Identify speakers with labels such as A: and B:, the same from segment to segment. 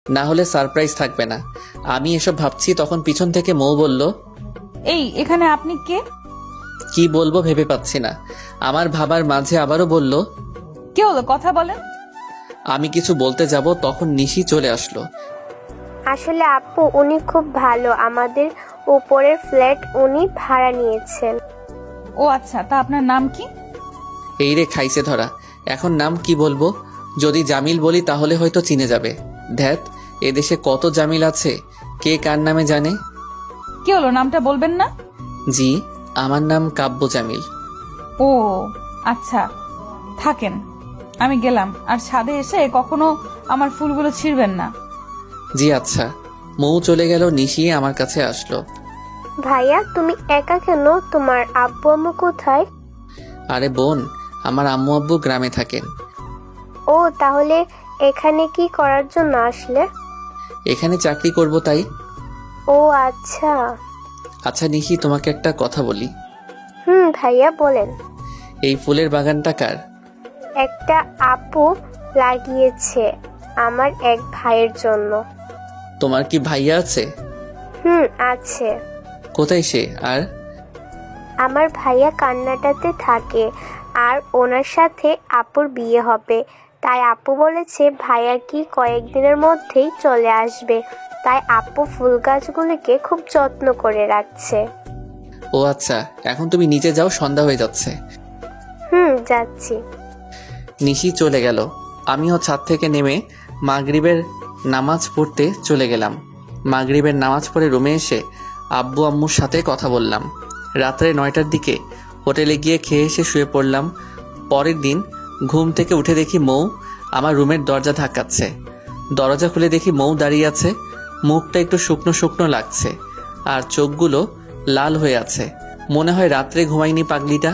A: না হলে সারপ্রাইজ থাকবে না। আমি এসব ভাবছি তখন পিছন থেকে মৌ বলল,
B: এই এখানে আপনি কে?
A: কি বলবো ভেবে পাচ্ছি না। আমার ভাবার মাঝে আবারও বলল,
B: কে হলো, কথা বলেন।
A: আমি কিছু বলতে যাব তখন নিশি চলে আসলো।
C: আসলে আপু উনি খুব ভালো, আমাদের উপরের ফ্ল্যাট উনি ভাড়া নিয়েছেন।
B: ও আচ্ছা, তা আপনার নাম কি?
A: এই রে খাইছে ধরা, এখন নাম কি বলবো? যদি জামিল বলি তাহলে হয়তো চিনে যাবে। ধ্যাত, এদেশে কত জামিল আছে, কে কার নামে জানে।
B: কি হলো, নামটা বলবেন না?
A: জি, আমার নাম কাব্য জামিল।
B: ও আচ্ছা, থাকেন, আমি গেলাম। আর ছাদে এসে কখনো আমার ফুলগুলো ছিঁড়বেন না।
A: জি আচ্ছা। মৌ চলে গেল, নিশি আমার কাছে আসলো।
C: ভাইয়া তুমি একা কেন? তোমার আব্বু আম্মু কোথায়?
A: আরে বোন, আমার আম্মু আব্বু গ্রামে থাকেন।
C: ও তাহলে এখানে কি করার জন্য আসলে?
A: এখানে চাকরি করব তাই।
C: ও আচ্ছা।
A: আচ্ছা নিশি, তোমাকে একটা কথা বলি।
C: ভাইয়া বলেন।
A: এই ফুলের বাগানটা কার?
C: একটা আপু লাগিয়েছে আমার এক ভাইয়ের জন্য।
A: তোমার কি ভাইয়া আছে?
C: আছে।
A: কোথায় সে? আর
C: আমার ভাইয়া কান্নাটাতে থাকে, আর ওনার সাথে আপুর বিয়ে হবে। তাই আপু বলেছে ভাইয়া কি কয়েকদিনের মধ্যেই চলে আসবে। তাই আপু ফুল গাছগুলিকে খুব যত্ন করে রাখছে।
A: ও আচ্ছা, এখন তুমি নিচে যাও, সন্ধ্যা হয়ে যাচ্ছে।
C: যাচ্ছি।
A: নিশি চলে গেল। আমিও ছাদ থেকে নেমে মাগরিবের নামাজ পড়তে চলে গেলাম। মাগরিবের নামাজ পড়ে রুমে এসে আব্বু আম্মুর সাথে কথা বললাম। রাত্রে 9টার দিকে হোটেলে গিয়ে খেয়ে এসে শুয়ে পড়লাম। পরের দিন ঘুম থেকে উঠে দেখি মৌ আমার রুমের দরজা ধাক্কাচ্ছে। দরজা খুলে দেখি মৌ দাঁড়িয়ে আছে। মুখটা একটু শুকনো শুকনো লাগছে, আর চোখগুলো লাল হয়ে আছে। মনে হয় রাত্রে ঘুমায়নি পাগলিটা।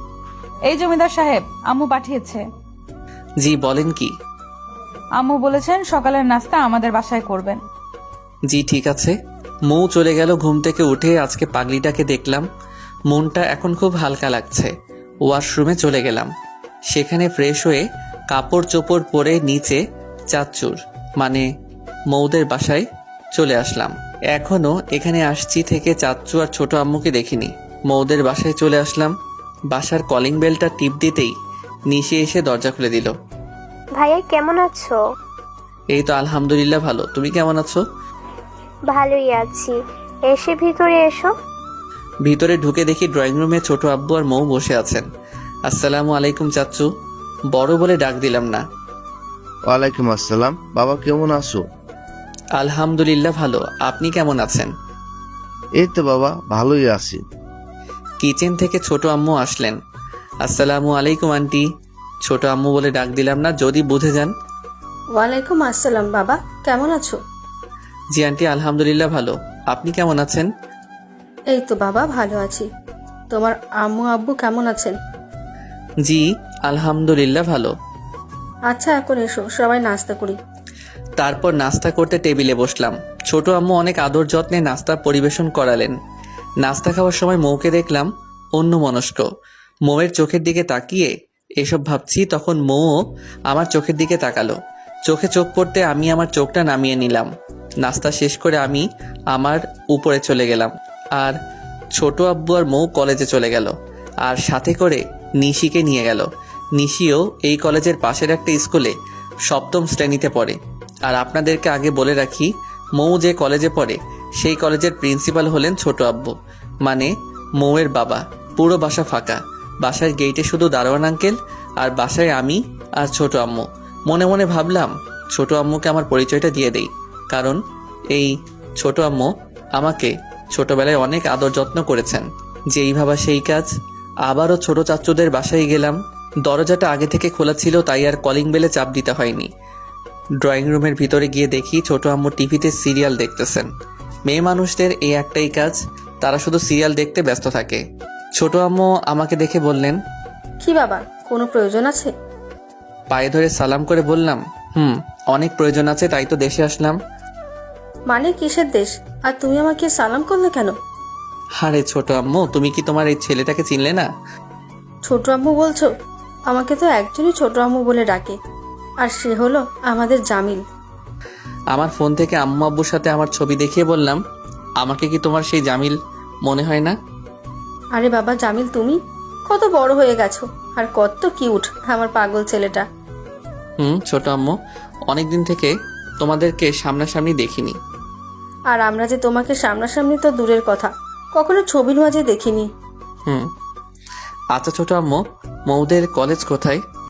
B: এই জমিদার সাহেব, আম্মু পাঠিয়েছে।
A: জি বলেন কি?
B: আম্মু বলেছেন সকালের নাস্তা আমাদের বাসায় করবেন।
A: জি ঠিক আছে। মৌ চলে গেল। ঘুম থেকে উঠে আজকে পাগলিটাকে দেখলাম। মনটা এখন খুব হালকা লাগছে। ওয়াশরুমে চলে গেলাম। সেখানে ফ্রেশ হয়ে কাপড় চোপড় পরে নিচে চাচ্চুর মানে মৌদের বাসায় চলে আসলাম। এখনো এখানে আসছি থেকে চাচ্চু আর ছোট আম্মুকে দেখিনি। মৌদের বাসায় চলে আসলাম। বাসার কলিং বেলটা টিপ দিতেই নিশে এসে দরজা খুলে দিল।
C: ভাইয়া কেমন আছো?
A: এই তো আলহামদুলিল্লাহ ভালো, তুমি কেমন আছো?
C: ভালোই আছি। এসে ভিতরে এসো।
A: ভিতরে ঢুকে দেখি ড্রয়িং রুমে ছোট আব্বু আর মৌ বসে আছেন। আসসালামু আলাইকুম চাচ্চু, বড় বলে ডাক দিলাম না।
D: ওয়ালাইকুম আসসালাম। বাবা কেমন আছো?
A: আলহামদুলিল্লাহ ভালো, আপনি কেমন আছেন?
D: এই তো বাবা ভালোই আছি।
A: কিচেন থেকে ছোট আম্মু আসলেন। আসসালামু আলাইকুম আন্টি। ছোট আম্মু বলে ডাক দিলাম না, যদি বুঝে যান।
E: ওয়ালাইকুম আসসালাম। বাবা কেমন আছো?
A: জি আন্টি আলহামদুলিল্লাহ ভালো, আপনি কেমন আছেন?
E: এই তো বাবা ভালো আছি। তোমার আম্মু আব্বু কেমন আছেন?
A: জি আলহামদুলিল্লাহ ভালো।
E: আচ্ছা এখন এসো, সবাই নাস্তা করি।
A: তারপর নাস্তা করতে টেবিলে বসলাম। ছোট আম্মু অনেক আদর যত্নে নাস্তা পরিবেশন করালেন। নাস্তা খাওয়ার সময় মৌকে দেখলাম অন্যমনস্ক। মৌয়ের চোখের দিকে তাকিয়ে এসব ভাবছি, তখন মৌও আমার চোখের দিকে তাকালো। চোখে চোখ পড়তে আমি আমার চোখটা নামিয়ে নিলাম। নাস্তা শেষ করে আমি আমার উপরে চলে গেলাম, আর ছোট আব্বু আর মৌ কলেজে চলে গেল, আর সাথে করে নিশিকে নিয়ে গেল। নিশিও এই কলেজের পাশের একটা স্কুলে 7ম শ্রেণীতে পড়ে। আর আপনাদেরকে আগে বলে রাখি, মৌ যে কলেজে পড়ে সেই কলেজের প্রিন্সিপাল হলেন ছোট আব্বু, মানে মৌয়ের বাবা। পুরো বাসা ফাঁকা, বাসার গেইটে শুধু দারোয়ান আঙ্কেল, আর বাসায় আমি আর ছোট আম্মু। মনে মনে ভাবলাম ছোট আম্মুকে আমার পরিচয়টা দিয়ে দেই, কারণ এই ছোট আম্মু আমাকে ছোটবেলায় অনেক আদর যত্ন করেছেন। যেই ভাবা সেই কাজ। আবারও ছোট চাচ্চুদের বাসায় গেলাম। দরজাটা আগে থেকে খোলা ছিল, তাই আর কলিং বেলে চাপ দিতে হয়নি। ড্রয়িং রুমের ভিতরে গিয়ে দেখি ছোট আম্মু টিভিতে সিরিয়াল দেখতেছেন। মেয়ে মানুষদের এই একটাই কাজ, তারা শুধু সিরিয়াল দেখতে ব্যস্ত থাকে। ছোট আম্মু আমাকে দেখে বললেন,
E: কি বাবা, কোনো প্রয়োজন আছে?
A: পায়ে ধরে সালাম করে বললাম, অনেক প্রয়োজন আছে, তাই তো দেশে আসলাম।
E: মানে কিসের দেশ? আর তুমি আমাকে সালাম করলে কেন?
A: আরে ছোট আম্মু, তুমি কি তোমার এই ছেলেটাকে চিনলে না?
E: ছোট আম্মু বলছো? আমাকে তো একজনই ছোট আম্মু বলে ডাকে, আর সে হলো আমাদের জামিল।
A: আমার ফোন থেকে আম্মু আব্বুর সাথে আমার ছবি দেখিয়ে বললাম, আমাকে কি তোমার সেই জামিল মনে হয় না?
E: আরে বাবা জামিল, তুমি কত বড় হয়ে গেছো আর কত কিউট আমার পাগল ছেলেটা।
A: ছোট আম্মু, অনেকদিন থেকে তোমাদেরকে সামনাসামনি দেখিনি।
E: আর আমরা যে তোমাকে সামনাসামনি তো দূরের কথা, কখনো ছবির মাঝে দেখিনি।
A: আচ্ছা ছোট আম্মু, মৌদের কলেজ কোথায়?